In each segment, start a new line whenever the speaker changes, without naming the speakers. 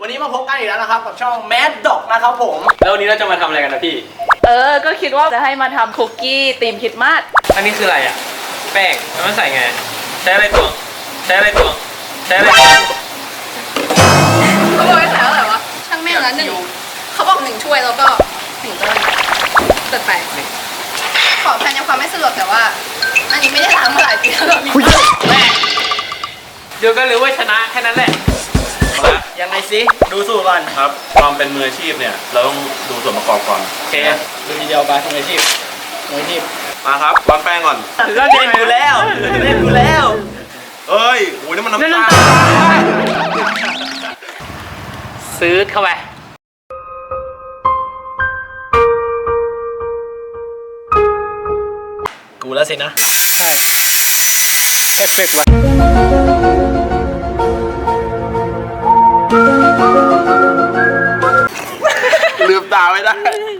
วันนี้มาพบกันอีกแล้วนะครับกับช่อง Mad Dog นะครับผมแล้ววันนี้เราจะมาทำอะไรกันนะพี่
ก็คิดว่าจะให้มาทำคุกกี้ธีมคริสต์มาส
อันนี้คืออะไรอ่ะแป้งแล้วมันใส่ไงใช้อะไรตวงใช้อะไรตวงใช้อะไรตวง
เขาบอกให้ใส่เท่าไหร่วะช่างแม่งละ1เขาบอก1ถ้วยแล้วก็1ก้อนเปิดไปขอแทนยังความไม่สะดวกแต่ว่าอันนี้ไม่ได้ล้างมาหลายปีแล้วมี
เดี๋ยวก็รู้ว่าชนะแค่นั้นแหละยังไงซิดูสูตรก่อน
ครับความเป็นมืออาชีพเนี่ยเราต้องดูส่วนประกอบก่อน
โอเคดูทีเดียวไปมืออาชีพ
มาครับร้อนแป้งก่อน
เล่นกูแล้ว
เอ้ยโอ้ยนี่มันน้ำตาล
ซื้อเข้าไปกูแล้วสินะใช่เอฟเฟกต์ว่ะ
ลืมตาไม่ได้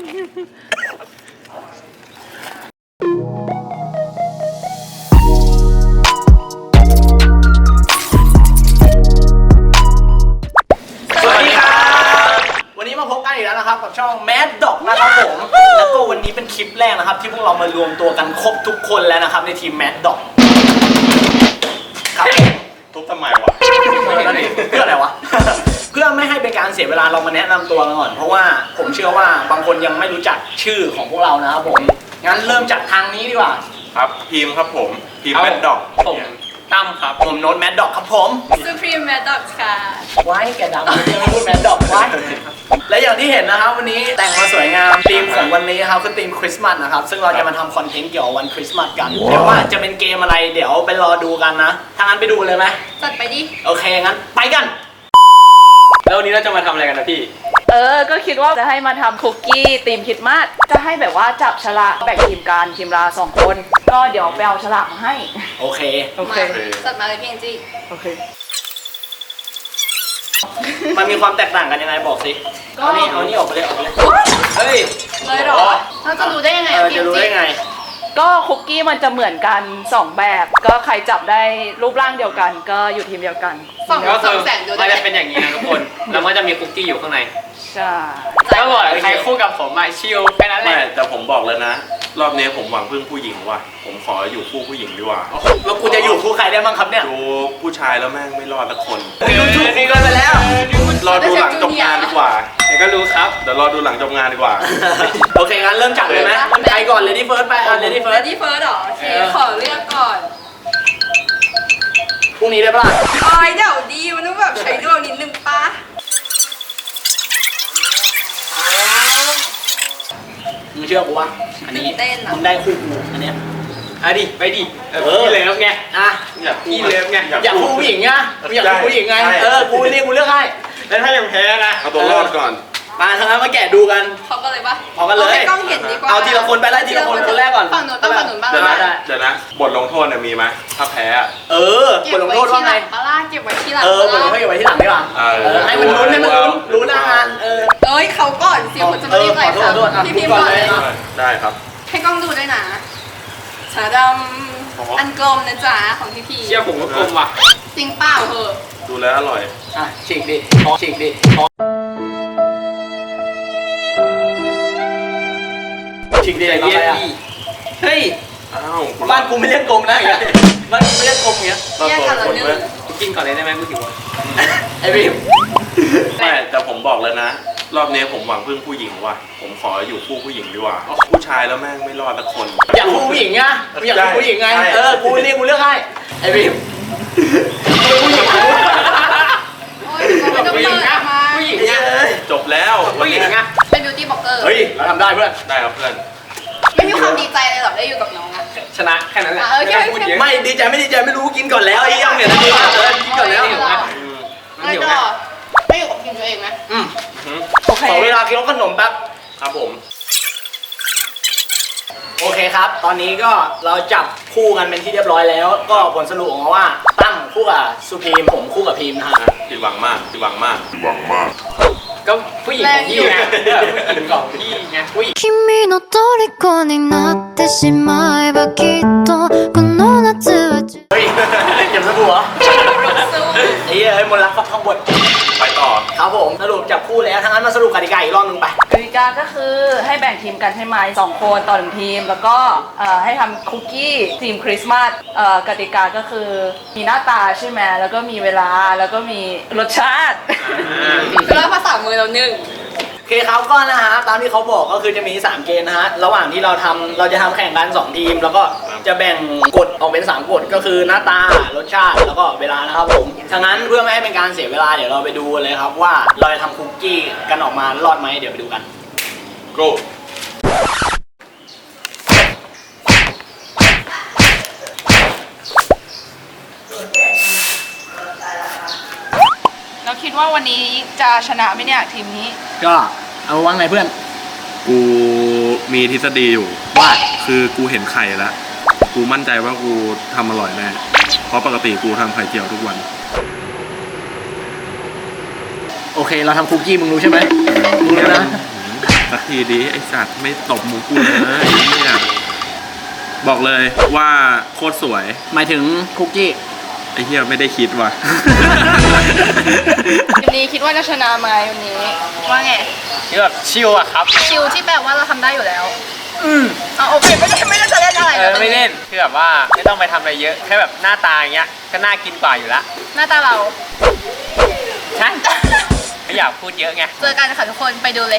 สวัสดีครับวันนี้มาพบกันอีกแล้วนะครับกับช่อง Mad Dog นะครับผมแล้วก็วันนี้เป็นคลิปแรกนะครับที่พวกเรามารวมตัวกันครบทุกคนแล้วนะครับในทีม Mad Dog ครับ
ทุบทำไมวะ
เพื่ออะไรวะเพื่อไม่ให้เป็นการเสียเวลาเรามาแนะนำตัวกันก่อนเพราะว่าผมเชื่อว่าบางคนยังไม่รู้จักชื่อของพวกเรานะครับผมงั้นเริ่มจากทางนี้ดีกว่า
ครับทีมครับผมทีมแมดด็อก
ผมตั้มครับผมโน้ตแมดด็อกครับผม
Supreme Mad Dog ค่ะ
ไว้แกดังยังไม่พูดแมดด็อกไว้และอย่างที่เห็นนะครับวันนี้แต่งมาสวยงามธีมของวันนี้ครับคือธีมคริสต์มาสนะครับซึ่งเราจะมาทำคอนเทนต์เกี่ยวกับวันคริสต์มาสกันเดี๋ยวว่าจะเป็นเกมอะไรเดี๋ยวไปรอดูกันนะถ้างั้นไปดูเลยไหม
จัดไปดิ
โอเคงั้นไปกันแล้ววันนี้เราจะมาทำอะไรกันนะพี่
ก็คิดว่าจะให้มาทำคุกกี้ธีมคริสต์มาสจะให้แบบว่าจับฉลากแบ่งทีมกันทีมละ2 คนก็เดี๋ยวไปเอาฉลากมาให้
โอเค
จัดมาเลยพี่แองจี้
โอเค
มันมีความแตกต่างกันยังไงบอกสิเอานี่ออกไปเลยเฮ้ย
เลยหรอเราจะรู้ได้ยังไง
จะรู้ได้ไง
ก็คุกกี้มันจะเหมือนกัน2แบบก็ใครจับได้รูปร่างเดียวกันก็อยู่ทีมเดียวกัน
ก็คือ
มันจะเป็นอย่างนี้นะทุกคนแล้วมันจะมีคุกกี้อยู่ข้างใน
ใช่
ก็บอกใครคู่กับผมอะชิลแค่นั้นแหละ
แต่ผมบอกเลยนะรอบนี้ผมหวังพึ่งผู้หญิงว่ะผมขออยู่คู่ผู้หญิงดีกว่า
แล้วกูจะอยู่คู่ใครได้บ้างครับเนี่ย
ดูผู้ชายแล้วแม่งไม่รอดสักคน
นี่ก็ไปแล้ว
รอดูหลังจบงานดีกว่า
เดี๋ยวก็รู้ครับ
เดี๋ยวรอดูหลังจบงานดีกว่า
โอเคงั้นเริ่มจับเลยไหมใครก่อนLady First ไปLady
First หรอโอเคขอเลือกก่อน
พรุ่งนี้ได้ปะล่ะ
เดี๋ยวดีมันต้องแบบใช้ดวงนิดนึงป่ะ
มึงเชื่อกูว่าอันนี้มึงได้คู่กูอันเนี้ยดิไปดิพี่เลิฟไงพี่เลิฟไงอยากคู่ผู้หญิงไงอยากคู่ผู้หญิงไงกูเลือกให้แล้วถ้ายังแพ้นะ
เอาตัวรอดก่อน
มาทางนั้นมาแกะดูกัน
พร้อมกันเลยปะ
พร้อมกันเลย
ให้กล้องเห็นดีกว่า
เอาทีละคนไปไล่ทีละคนคนแรกก่อน
ฝั่งหนูต้องฝั่งหนูบ้าง
เดี๋ยวนะบทลงโทษเนี่ยมีไหมถ้าแพ้
บทลงโทษว่าไง
เก็บไว้ที่หลัง
บทลงโทษเก็บไว้ที่หลังดีกว่าให้มันรู้นาน
เขาก่อนสิคุณจะไม่รีบเลยค่ะพี่พิมพ์ก่อนเลย
ได้ครับ
ให้กล้องดูด้วยนะชาดำอันกลมนะจ๊ะของพี่พี
เชี่ยผมก็กลมว่ะ
จริงเปล่าเหอะ
ดูแล้วอร่อย
ฉีกดิเย็นดิเฮ้ยบ้านกูไม่เรียกกลมนะอย่างเงี้ยบ้านกูไม่เรียกกลมอย่างเงี้ย
แยกกันแล้วนึง
กูกินก่อนเลยได้ไหมกูหิวไอ้บิม
แต่ผมบอกเลยนะรอบนี้ผมหวังพึ่งผู้หญิงว่ะผมขออยู่คู่ผู้หญิงดีกว่าผู้ชายแล้วแม่งไม่รอดสักคน
อยากคู่ผู้หญิงไงอยากคู่ผู้หญิงไงกูเลือกให้ไอ้บิมผู้หญิง
ผู้หญิงนะ
ผู้หญิง
จบแล้ว
ผู้หญิงนะ
เป็นบิวตี้บล็อกเกอร์
เฮ้ยเราทำได้เพื่อน
ได้ครับเพื่อน
ไม่มีความดีใจเลยหรอกได้อยู่กับน้องอะ
ชนะแค่นั้นแหละไม่ดีใจไม่ดีใจไม่รู้กินก่อนแล้วไอ้ยังเนี่ยนะกินก่อนแล้ว
ไม่ต่อไม่อยู่กับทีมตัวเองไหม
โอเคขอเวลากินขนมแป๊บ
ครับผม
โอเคครับตอนนี้ก็เราจับคู่กันเป็นที่เรียบร้อยแล้วก็ผลสรุปออกมาว่าตั้มคู่กับสุพีมผมคู่กับพีมนะฮะ
ผิดหวังมาก
ก็ผู้หญิงของพี่ไงผู้หญิงของพี่ไงผู้หญิง君の虜になってしまえばきっとこの夏はเฮ้ยเก็บสบู่เหรอไอ้เหี้ยมนต์รักฟักทองบท
ไปต่อ
ครับผมสรุปจับคู่แล้วทั้งนั้นมาสรุปกติกาอีกรอบนึงไป
กติกาก็คือให้แบ่งทีมกันใช่ไหม2 คนต่อ1ทีม แล้วก็ให้ทำคุกกี้ทีมคริสต์มาสกติกาก็คือมีหน้าตาใช่ไหมแล้วก็มีเวลาแล้วก็มีรสชาติ
คือเราภาษามือเรานึ่ง
โอเคครับก็นะฮะตามที่เขาบอกก็คือจะมี 3 เกมนะฮะระหว่างที่เราจะทำแข่งกัน 2 ทีม แล้วก็จะแบ่งกฎออกเป็น 3 กฎก็คือหน้าตารสชาติแล้วก็เวลานะครับผมฉะนั้นเพื่อไม่ให้เป็นการเสียเวลาเดี๋ยวเราไปดูเลยครับว่าเราจะทำคุกกี้กันออกมารอดไหมเดี๋ยวไปดูกัน
go
เราคิดว่าวันนี้จะชนะไหมเนี่ยทีมนี้
ก็เอาว่าไงเพื่อน
กูมีทฤษฎีอยู่
ว่า
คือกูเห็นไข่แล้ว กูมั่นใจว่ากูทำอร่อยแน่ เพราะปกติกูทำไข่เจียวทุกวัน
โอเคเราทำคุกกี้มึงรู้ใช่ไหมมึงรู้นะ
สักทีดิไอสัตว์ไม่ตบหมูกูเลยไอ้เนี่ยบอกเลยว่าโคตรสวย
หมายถึงคุกกี้
ไอ้เหี้ยไม่ได้คิดว่ะ
วันนี้คิดว่าจะชนะไหมวันนี้ ว่าไง
ที่แบบชิลอะครับ
ชิลที่แปลว่าเราทำได้อยู่แล้วอ๋อโอเคไม่ได้จะเล่นอะไรแล้ว
ไม่เล่นคือแบบว่าไม่ต้องไปทำอะไรเยอะแค่แบบหน้าตาอย่างเงี้ยก็น่ากินกว่าอยู่ละ
หน้าตาเรา
ใช่ไม่อยากพูดเยอะไง
เจอกันค่ะทุกคนไปดูเลย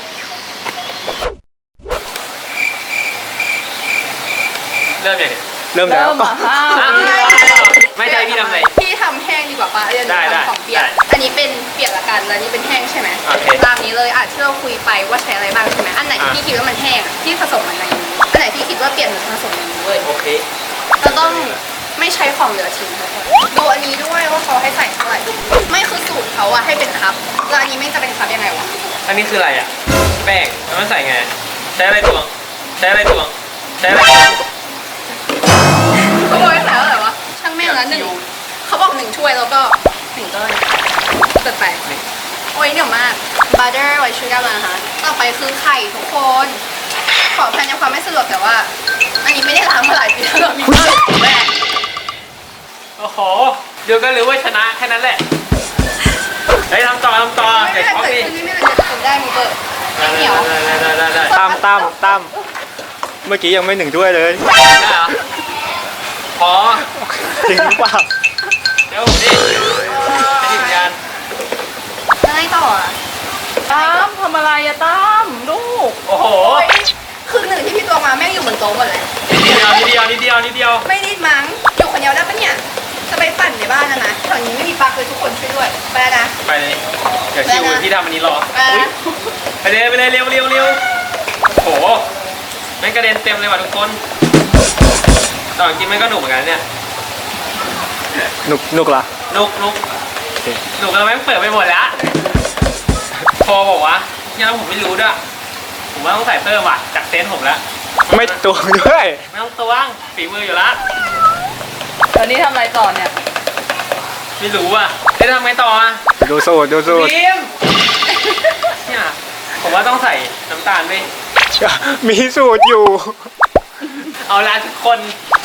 เริ่มยังไง
เริ่มแล้ว
ไม่ใจพี่ทำอะไร
พี่ทำแห้งดีกว่าป้าเรียน
ได้
ทำของเปียก
ได้
อันนี้เป็นเปียกละกันแล้วนี่เป็นแห้งใช่ไหม
โอเค
ตามนี้เลยที่เราคุยไปว่าใช้อะไรบ้างใช่ไหมอันไหนที่พี่คิดว่ามันแห้งอะที่ผสมมันในนี้อันไหนที่คิดว่าเปียกหรือผสมในนี้เลย
โอเค
เราต้องไม่ใช้ของเหลือทิ้งทุกคนดูอันนี้ด้วยว่าเขาให้ใส่เท่าไหร่ไม่คือสูตรเขาอะให้เป็นคัพแล้วอันนี้ไม่จะเป็นคัพยังไงวะ
อันนี้คืออะไรอ่ะแป้งแล้วมันใส่ไงใช้อะไรตวงใช้อะไรตวงใช้อะไรตวง
เขาบอกให้ใส่เท่าไหร่วะช่างแม่งละเขาบอก1 ถ้วยแล้วก็1 ก้อนเกิดไปโอ้ยเหนียวมาก butter ไว้ชูการ์มาค่ะต่อไปคือไข่ทุกคน ขอแทนในความไม่สะดวกแต่ว่า อันนี้ไม่ได้ล้างมาหลายปีแล้วมีแม่
โอ้โหเดี๋ยวก็รู้ว่าชนะแค่นั้นแหละเฮ้ยทำต่อ
ไม่
เด็
ได้
กพร้อม
เกิด
ดิ
ขึ้นนี่ไม่ได้เกิดขึ้นได้มีเบิร์ดไม่เหนียว
ได้
ตั้มเมื่อกี้ยังไม่1 ถ้วยเลย
เหรอพอ
จริงหรือเปล่า
เดี๋ยวผมดิจะถึงยัน
แล้วไงต่ออะ
ตั้มทำอะไรอะตั้มลูก
โอ้โห
โอ้ยคือหนึ่งที่พี่ตัวมาแม่งอยู่บนโต๊ะหมดเลย
นิดเดียว
ไม่รีบมั้งอยู่คนเดียวได้ปะเนี่ยจะไปปั่นในบ้านนะแถวนี้ไม่มีปลั๊กเลยทุกคนช่วยด้วยไปแล้วนะ
ไปเลยเดี๋ยวคิวพี่ทำอันนี้รอ
ไปแล้ว
ไปเลยเร็วโอ้โหแม่งกระเด็นเต็มเลยว่ะทุกคนตอนกินมันก็หนุกเหมือนกันเนี่ย
หนุกเหรอ
หนุกแล้วแม่งเปิดไปหมดแล้วพอบอกว่ายังผมไม่รู้ด้วยผมว่าต้องใส่เพิ่มว่ะจากเซนส์ผมแล้ว
ไม่ตวงด้วย
ไม่ต้องตวงฝีมืออยู่แล้ว
ตอนนี้ทำอะไรต่อเนี่ย
ไม่รู้อ่ะจะทำไงต่ออ่ะ
ดูสูตร
พิมเนี่ยผมว่าต้องใส่น้ำตาลด้วย
มีสูตรอยู่
เอาละทุกคน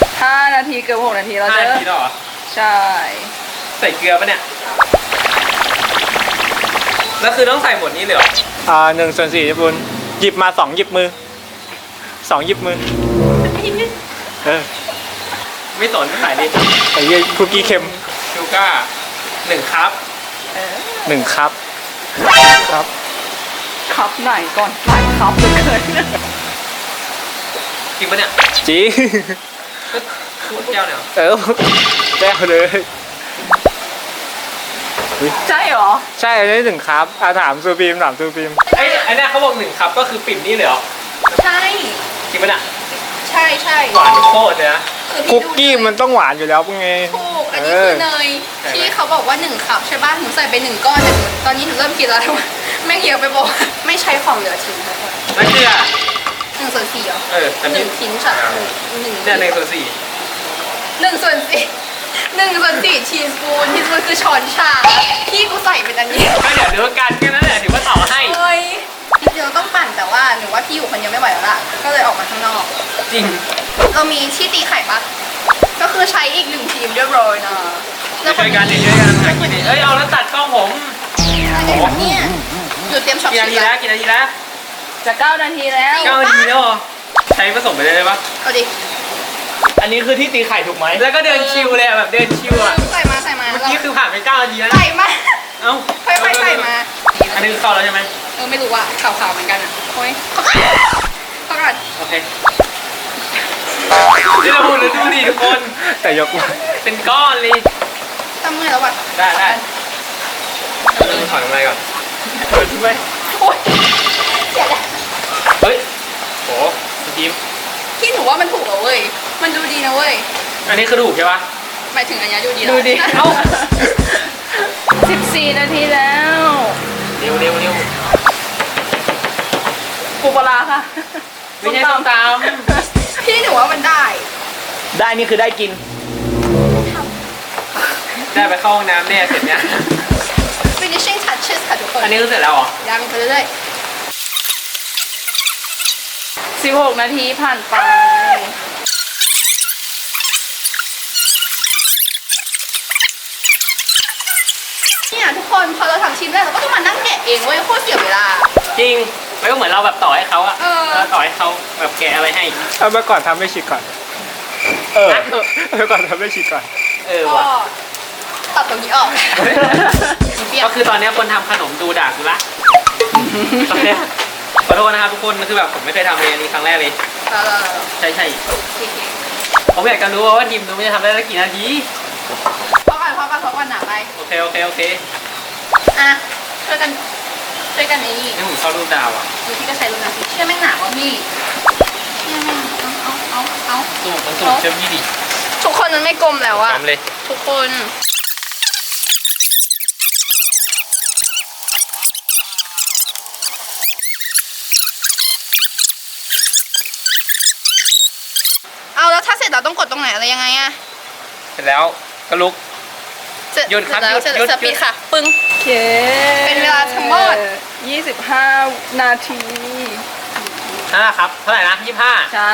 5 นาทีเกือบ6 นาทีแล้ว
5
เด้
นา
อ
ทีแล้วเหรอ
ใช่
ใส่เกลือปะเนี่ยแล้วคือต้องใส่หมดนี้เลยเหรอ
1/4ญี่ปุ่นหยิบมา2 หยิบมือ2 หยิบมือ
ไม่สนใส่ดิ
ไอ้เหี้ยคุกกี้เค็ม
ชูก้า1 คัพ
1 คัพครับ
คัพไหนก่อนหลายคัพเหลยเกิน
จริงปะเนี่ย
จริง
ก็พูดแก้วเนี่ยเหรอ
แจ้วเลย
ใช่เหรอ
ใช่อันนี้1 คัพถามซูบีม
ไอ้เนี่ยเขาบอก1 คัพก็คือปิ่มนี่เลยเหรอ
ใช่
จริงปะเนี่ย
ใช่
หวานโคตรเลยนะ
คือพี่
คุก
ดู
กี้มันต้องหวานอยู่แล้วไง
ถูกอันนี้คือเนยที่เขาบอกว่า1 คัพใช่ป่ะหนูใส่ไป1 ก้อนแต่ตอนนี้หนูเริ่มกินแล้วว่าแม่งเยอะไปบอกไม่ใช้ของเหลือทิ้งทุกคน
แล้วเกลือ
1/4เหรอ
แต่
ห
พี่
นึ่งชิ้นฉันหนึ่ง
เนี่ย1/4
1/4ทีสปูนคือช้อนชาพี่กูใส่เป็นอันนี้
ก็เดี๋ยวดูกันแค่นั้นแหละถือว่าต่อให้
เอ้ยจริงๆเราต้องปั่นแต่ว่าหนูว่าพี่อยู่คนเดียวไม่ไหวแล้วล่ะก็เลยออกมาข้างนอก
จริง
เรามีที่ตีไข่ปะก็คือใช้อีก1 ทีมเรียบร้อยนะแล้ว
ช่วยกันดิช่วยกันหากินดิเอ้ยเอาแล้วตัดกล้องผม
อะไรวะเนี่ยหนูเตรียมช็อป
กี่นาทีแล้วกี่นาทีแล้ว
จะ9 นาทีแล้ว
9 นาทีแล้วเหรอใช้ผสมไปเลยได้ปะ
เอาดิ
อันนี้คือที่ตีไข่ถูกไหม
แล้วก็เดินชิวเลยอะแบบเดินชิวอะ
ใส่มา
เมื่อกี้คือผ่านไป9 นาทีแล้ว
ใส่มา
เอ้า
ค่อยๆใส่มา
อันนี้คือเข้าแล้วใช่ไหม
ไม่รู้ว่าขาวๆเหมือนกันอ่ะโอ้ยเข้าก่อน
โอเคนี่เราพูดแล้วดูดิทุกคน
แต่ยกมา
เป็นก้อนเลย
ทำเมื่อยแล้วว่ะ
ได้ถอนอะไรก่อนเปิดช่วย
โอ้ยเสียแล้ว
เฮ้ยโหทีม
พี่หนูว่ามันถูกแล้วเว้ยมันดูดีนะเว้ย
อันนี้คือถูกใช่ปะ
หมายถึงอันนี้ดูดี
ดูดิ
นะ
เอ้า
14 นาทีแล้ว
เร็วเร็วเร็ว
ปูปลาร้าค่ะ
ไม่ใช่ต้มต
พี่หนูว่ามันได้
ได้นี่คือได้กิน
ำได้ไปเข้าห้องน้ำแน่เสร็จเนี้ย
finishing touches ค่ะทุกคน
อันนี้คือเสร็จแล้วเหรอ
ยังไปเรื่อย
16 นาทีผ่านไป
ๆเนี่ยทุกคนพอเราทำชิ้นแรกเราก็ต้องมานั่งแกะเองเว้ยโคตรเสียเวลา
จริงมันก็เหมือนเราแบบต่อให้เขาอะ
เออ
เราต่อให้เขาแบบแกะอะไรให้
เอาเมื่อก่อนทำไม่ชิดก่อน เออเมื่อก่อนทำไม่ชิดก่อน
เออ
ก็
ว่ะ
ตัดตรงนี้ออกเปรี้ยว
ก็คือตอนเนี้ยคนทำขนมดูด่ากูละตอนเนี้ยขอโทษนะครับทุกคนคือแบบผมไม่เคยทำเลยอันนี้ครั้งแรกเลย ใช่ใช่ผมอยากจะรู้ว่าทีมนู้นมันจะทำได้สักกี่นาที
พอก่อนหนาไป
โอเคโอเคโอเค
อ่ะช่วยกันไอ้นี่
นี่ผมชอบรูปดาวอ่ะ
ดูที่ก็ใช้รุ่นนั้นสิเชื่อแม่งหนาวะพี่เชื่อแม่งเอา
สูบมันสูบเชื่อมยี่ดิ
ทุกคนมันไม่กลมแล้วอะ
ทำเลย
ทุกคนเอาแล้วถ้าเสร็จเราต้องกดตรงไหนอะไรยังไงอะ
เสร็จแล้วก็ลุก หยุดครับ
แล้ว
หยุด
สปีดค่ะ ปึ้ง
โอเค
เป็นเวลาทั้งหมด
25 นาที
นั่นแหละครับเท่าไหร่นะ25
ใช่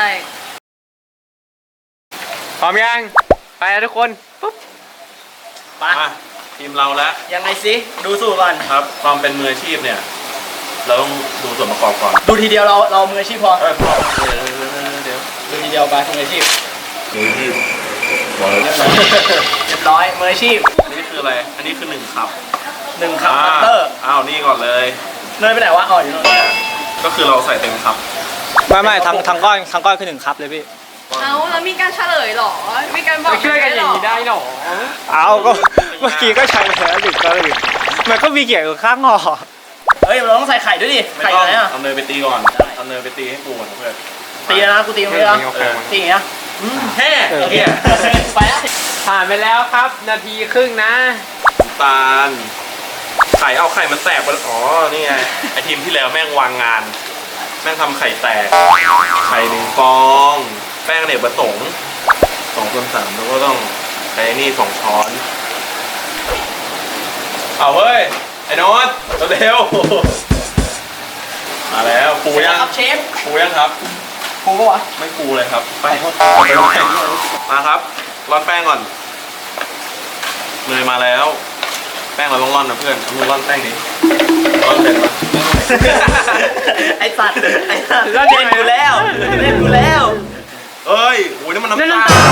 พร้อมยังไปแล้วทุกคนปุ๊บ
ไป
มาทีมเราแล้ว
ยังไงสิดูสูตรก่อน
ครับ ความเป็นมืออาชีพเนี่ย เราต้องดูส่วนประกอบก่อน
ดูทีเดียวเรามืออาชีพพอ
พอเดี๋ยว
ดูทีเดียวไปมืออาชีพ
มืออาชีพบอกเลย
เรียบร้อยมืออาชีพ
อันนี้คืออะไร อันนี้คือ1 คัพ
1 คัพบัตเตอร์
อ้าวนี่ก่อนเลย
เนยไปไหนวะอ๋ออยู่โน่น
ก็คือเราใส่เต็มคัพ
ไม่ทั้งก้อนคือ1 คัพเลยพี่
เอาแล้วมีการเฉลยเหรอ มีการบอก
ไปช่วยกันอย่างนี้ได้หรอ
เอาก็เมื่อกี้ก็ใช้ไปแล้ว1 ก็เลยมันก็มีเกี่ยวกับข้างห่อ
เฮ้ยเราต้องใส่ไข่ด้วยดิ
ไม่
ไข่
ต้
อ
อง
ยู่ไหนอ่ะ
เอาเนยไปตีก่อนเอาเนยไปตีให้กูก่อนเพื่อน
ตีแล้วนะกูตีมึงเลยนะตีอย่างเงี้ย
แฮ่
โอเคไปแล้ว
ผ่านไปแล้วครับนาทีครึ่งนะ
น้ำตาลไข่เอาไข่มันแตกไปอ๋อ นี่ไง ไอทีมที่แล้วแม่งวางงาน แม่งทำไข่แตก ไข่1 ฟอง แป้งอเนกประสงค์2/3แล้วก็ต้องใช้นี่2 ช้อน เอาเว้ย ไอ้โนอตเร็วๆมาแล้วปูยัง
ครับเชฟ
ปูยังครับ
กูปะวะ
ไม่ปูเลยครับ ไปมาครับ ร่อนแป้งก่อนเนยมาแล้ว แป้งเราต้องร่อนนะเพื่อนเอามือร่อนแป้งดิร่อนเป็นปะ
ไอสัตว์เล่นกูแล้วเล่นกูแล้ว
เอ้ยโอ้ยนี่มันน้ำตาล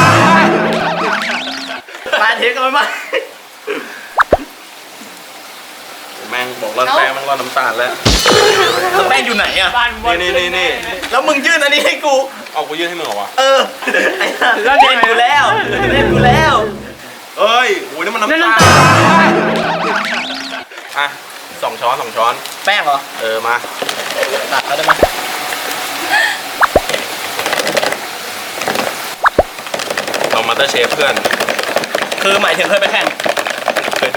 มาเทกันไปมา
แม่งบอกร่อนแป้งแม่งร่อนน้ำตาลแล้ว
แป้งอยู่ไหนอ่ะ
บ้านบน
นี่
แล้วมึงยื่นอันนี้ให้กู
เอากูยื่นให้มึงเหรอวะ
เออไอ้สัตว์เล่นกูแล้วเล่นกูแล้ว
เอ้ยโอ้ยนี่มันน้ำตาลอ่ะ2 ช้อน2 ช้อน
แป้งเหรอ
เออมา
ตัดเขาได้ไหม
เรามาสเตอร์เชฟเพื่อน
คือหมายถึงเคยไปแข่ง
เคยดู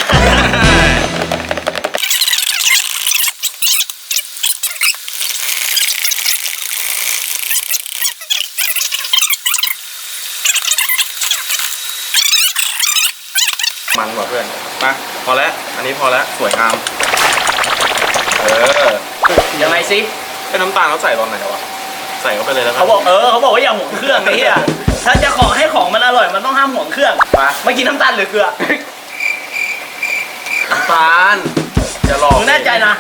มันกว่าเพื่อน มา พอแล้ว อันนี้พอแล้ว สวยงาม
ยังไงสิ
เป็นน้ำตาลเขาใส่ตอนไหนวะ ใส่เข้าไปเลยแล้วกัน
เขาบอกว่าอย่าห่วงเครื่องไอ้เหี้ยถ้าจะขอให้ของมันอร่อยมันต้องห้ามห่วงเครื่องเมื่อกี้น้ำตาลหรือเกลือ
น้ำตาลอย่าหลอก
มึงแน่ใจนะ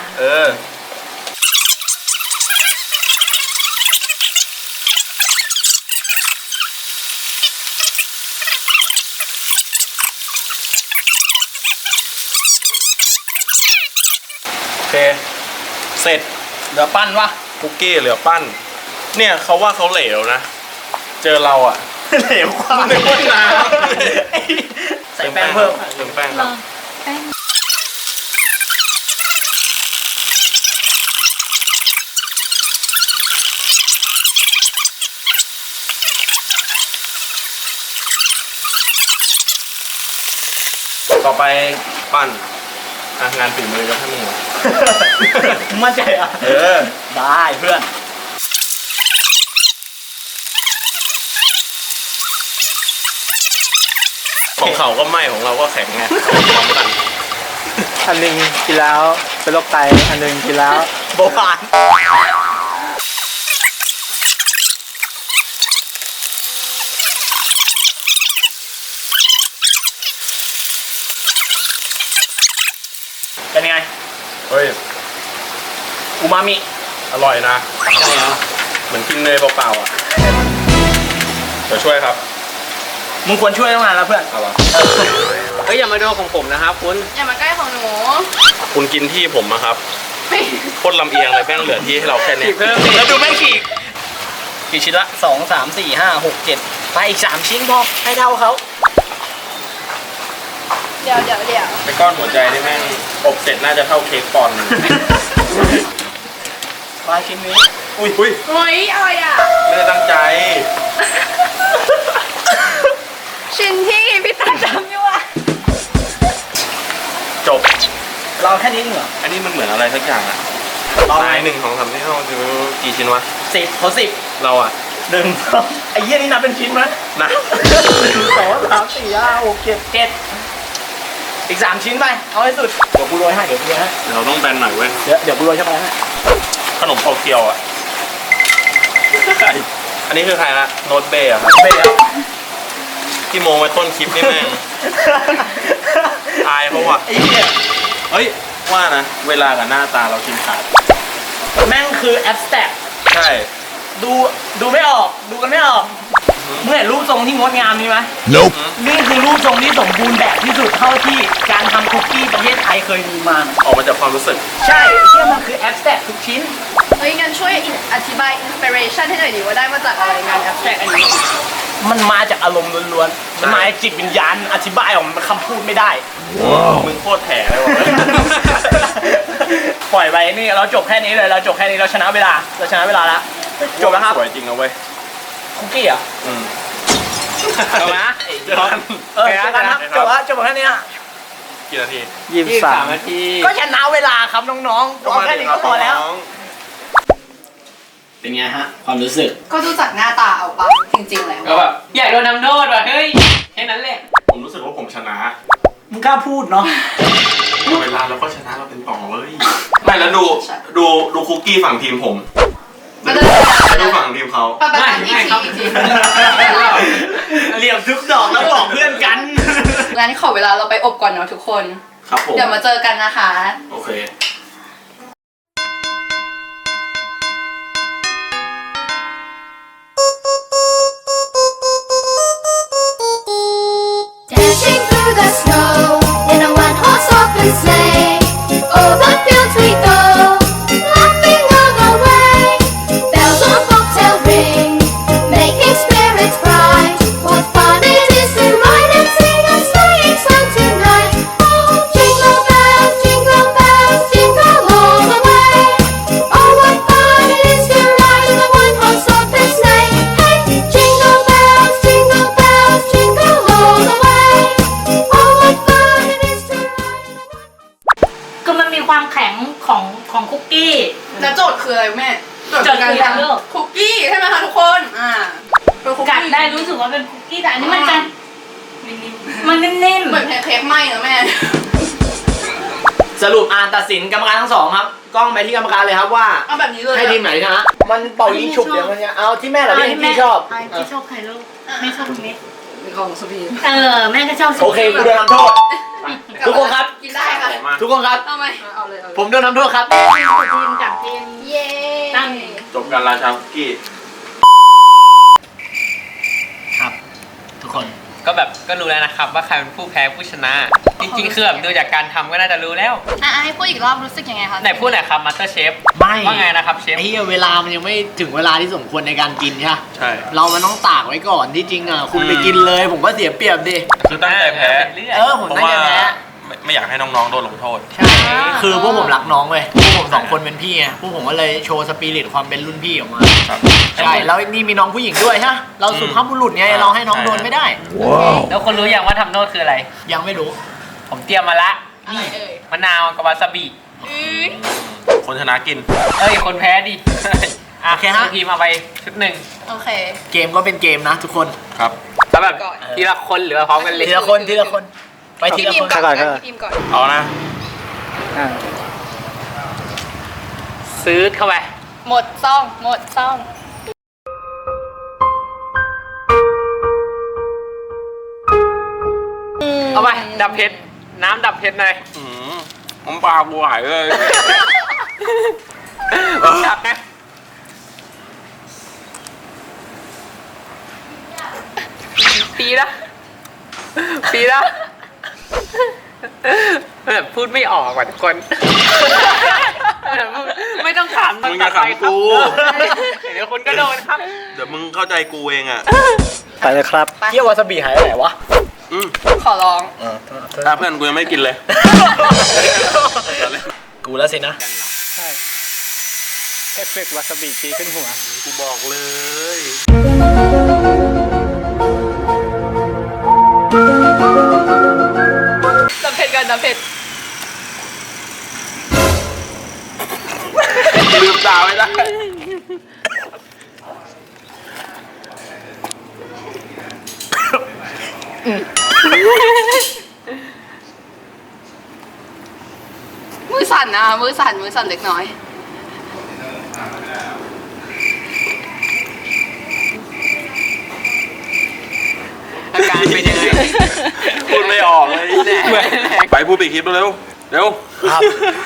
โอเคเสร็จ
เดี๋ยวปั้นวะ
คุกกี้เหลือปั้น เนี่ยเขาว่าเขาเหลวนะ เจอเราอ่ะ
เหลวกว่า
ไม่ว่าน้
ใส่แป้งเพิ่ม
เติมแป้งครับ
แป้ง
ต่อไปปั้นงานฝีมือจะให้มึงเหรอ
มั่นใจอ่ะ ได้เพื่อน
ของเขาก็ไหม้ของเราก็แข็งไงพร้อมกัน
อันหนึงกินแล้วเป็นโรคไต อันหนึงกินแล้ว
เบาหวานเป็นไง
เฮ้ย
อูมามิ
อร่อยนะ
ใช่เหรอ
เหมือนกินเนยเปล่าๆอ่ะเดี๋ยวช่วยครับ
มึงควรช่วยตั้งนานแล้วเพื่อน
เอาวะ
เฮ้ยอย่ามาดูของผมนะครับคุณ
อย่ามาใกล้ของหนู
คุณกินที่ผมนะครับ
ไม่
โคตรลำเอียงเลยแป้งเหลือที่ให้เราแค่นี้
ฉีกเพิ่มดิ
แล้วดูแม่งฉีกกี่ชิ้นละ2 3 4 5 6 7ไปอีก3ชิ้นพอให้เท่าเขา
เดี๋ยว
ไอ้ก้อนหัวใจนี่แม่งอบเสร็จน่าจะเท่าเค้กปอนด์
มาชิ้นนี้
อุ้ย
เฮ้ยอะไรอ่ะ
ไม่ได้ตั้งใจ
ชิ้นที่พี่ตาจำอยู่อ่ะ
จบ
เราแค่นี้เหรอ
อันนี้มันเหมือนอะไรสักอย่างอะ
เรา
นาย1 2 3 4 5 6 กี่ชิ้นวะ
10เขา10
เราอะ
1 ไอ้เหี้ยนี่นับเป็นชิ้นไหม
นะ
1 2 3 4 5 6 7 7อีก3ชิ้นไปเอาให้สุดเดี๋ยวกูโรยให้เดี๋ยวกูโรยให้
เดี๋ยวเราต้องแบนหน่อยเว้ย
เดี๋ยวกูโรยช็อกโกแลตให้
ขนมโตเกียวอะใครอันนี้คือใครนะโน้ตเบย์อะครับ
เบย์
ที่โมงไว้ต้นคลิปนี่แม่ง อายเขาว่ะ
ไอ้เหี้ย
เฮ้ย ว่านะ เวลากับหน้าตาเรากินขาด
แม่งคือแอปสแต็ก
ใช่
ดูไม่ออกดูกันไม่ออกมึงเห็นรูปทรงที่งดงามนี้ไหม นี่คือรูปทรงที่สมบูรณ์แบบที่สุดเท่าที่การทำคุกกี้ประเทศไทยเคยมีมา
ออกมาจากความรู้สึก
ใช่เชื่อมันคือแอปสแต็กทุกชิ้น
เฮ้ยงั้นช่วยอธิบายอินสปิเรชันให้หน่อยดิว่าได้มาจากอะไรงานแอปแทรกอันนี้
มันมาจากอารมณ์ล้วนๆ มันมาจากจิตวิญญาณอธิบายออกมาเป็นคำพูดไม่ได้
มึงโคตรแถเลยว่ะ
ปล่อยไปนี่เราจบแค่นี้เลยเราจบแค่นี้เราชนะเวลาแล้วจบแล้วครับ
สวยจริงนะเว้ย
คุกกี้เหรอ่ะ
อืม
จบนะ
เจอกัน
เออจบแล้วครับจบแค่นี้ฮะ
กี่นาที
23 นาที
ก็ชนะเวลาครับน้องๆเอาแค่นี้ก็พอแล้ว
น้อง
เป็นไงฮะความรู้สึก
ก็ดูจากหน้าตาเอาปะจริงๆแล้ว
ก็แบบอยากโดนนำโทษว่ะเฮ้ยแค่นั้นแหละ
ผมรู้สึกว่าผมชนะ
มึงกล้าพูดเนาะ
เวลาเราก็ชนะเราเป็นต่อเว้ย ไม่แล้วดูคุกกี้ฝั่งทีมผม
มาเลย
แล้วดูฝั่งทีมเขา
ปะปะปะอีกที
เหลี่ยมทุกดอกแล้วบอกเพื่อนกัน
งั้นขอเวลาเราไปอบก่อนเนาะทุกคน
ครับผม
เดี๋ยวมาเจอกันนะคะ
โอเค
Dashing through the snow in a one-horse open sleigh. Over fields we go, laughing all the way. Bells on bobtail ring, making spirits bright. What fun it is to ride and sing a sleighing song tonight! Oh, jingle bells, jingle all the way. Oh, what fun it is to ride in a one-horse open sleigh! Hey, jingle bells, jingle all the way. Oh, what fun it is to ride in a one-horse.
คือมันมีความแข็งของคุกกี้
แล้วโจทย์คืออะไรแม่
โจทย์คืออะไรลูก
คุกกี้ใช่ไหมคะทุกคนเป็นคุก
กัด
กี้
ได้รู้สึกว่าเป็นคุกกี้แต่อันนี้มันจะมันนิ่ม
เหมือนแพนเค้กไหมนะแม่
สรุปอ่านตัดสินกรรมการทั้งสองครับกล้องไปที่กรรมการเลยครับว่า
เอาแบบนี้เลย
ให้ทีมไหนชนะมันเป่ายิงฉุบเดี๋ยวมันจะเอาที่แม่หรือที่ชอบ
ที่ชอบใครลูกแม่ชอบตรงนี้
ของสุพี
แม่ก็ชอบ
โอเคกูโดนทำโทษทุกคนครับ
กินได้ค่ะ
ทุกคนครับ
เอาไหม
เอาเลยเอาเลย
ผมโดนทำโทษครับ
ทีมกับทีม
เย้
ตั้ง
จบการราชาคุกกี้
ครับ ทุกคน
ก็แบบก็รู้แล้วนะครับว่าใครเป็นผู้แพ้ผู้ชนะ จริงๆคือแบบดูจากการทำก็น่าจะรู้แล้ว
ให้พูดอีกรอบรู้สึกยังไงคะ
ไหนพูดหน่อยครับมาสเตอร์เชฟ
ไม่
ว่าไงนะครับเชฟ
ไอ้เหี้ยเวลามันยังไม่ถึงเวลาที่สมควรในการกินใช่ปะ
ใช่
เรามันต้องตากไว้ก่อนที่จริงอ่ะคุณไปกินเลยผมก็เสียเปรียบดิ
คือตั้งใจแพ้
ผม
เพราะ
ตั้ง
ว่า
ใจแพ้
ไม่อยากให้น้องๆโดนลงโทษ
ใช่คือพวกผมรักน้องเว้ยพวกผมสองคนเป็นพี่ไงพวกผมก็เลยโชว์สปิริตความเป็นรุ่นพี่ออกมา
ครับ
ใช่แล้วนี่มีน้องผู้หญิงด้วยฮะเราสุภาพบุรุษไงเราให้น้องโดนไม่ได้
แล้วคนรู้ยังว่าทำโทษคืออะไร
ยังไม่รู้
ผมเตรียมมาละ
อะไรเอ่ย
มะนาวกับวาซาบิ
คนชนะกิน
เอ้ยคนแพ้ดิอ่ะ
โอเคฮะ
ทีมเอาไปชุดหนึ่ง
โอเค
เกมก็เป็นเกมนะทุกคน
ครับ
แล้วแบบทีละคนหรือว่าพร้อมกันเลย
ทีละคนทีละคนไปที
พี่
ละ
พิ
ค
ม
น
พ์ก่อน
ก่อน
พี่พิมพ์ก่อน
เอานะ
ซื้อเข้าไป
หมดซ่องหมดซ่อง
เอาไปดับเพชรน้ำดับเพชรหน่อย
น้ำปลากูไหลเลย
จับนะปีละปีละแบบพูดไม่ออกว่ะทุกคนไม่ต้องถาม
มึงอย่าขำกู
เดี๋ยวคุณก็โดนครับ
เดี๋ยวมึงเข้าใจกูเองอ่ะ
ไปเลยครับ
เกี่ยววาซาบิหายไปไหนวะ
ขอร้อง
ถ้าเพื่อนกูยังไม่กินเลย
กูแล้วสินะ
ใช่เอฟเฟกต์วาซาบิตีขึ้นหัว
กูบอกเลย
น้ำเผ็ดกันน้ำเผ็ด
ลืมตาไม่ได้
มือสั่นนะมือสั่นเล็กน้อย
อาการเป็นยังไง
พูดไม่ออกเลยไปพูดปีกคลิปเร็วเร็ว
ครับ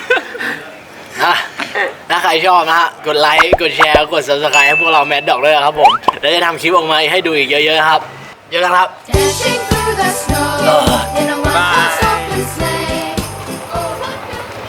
ถ้าใครชอบนะฮะกดไลค์กดแชร์กด subscribe ให้พวกเราแมดด็อกด้วยนะครับผมแล้วจะทำคลิปออกมาให้ดูอีกเยอะๆครับเยอะนะครับ
Dashing through the snow in a one-horse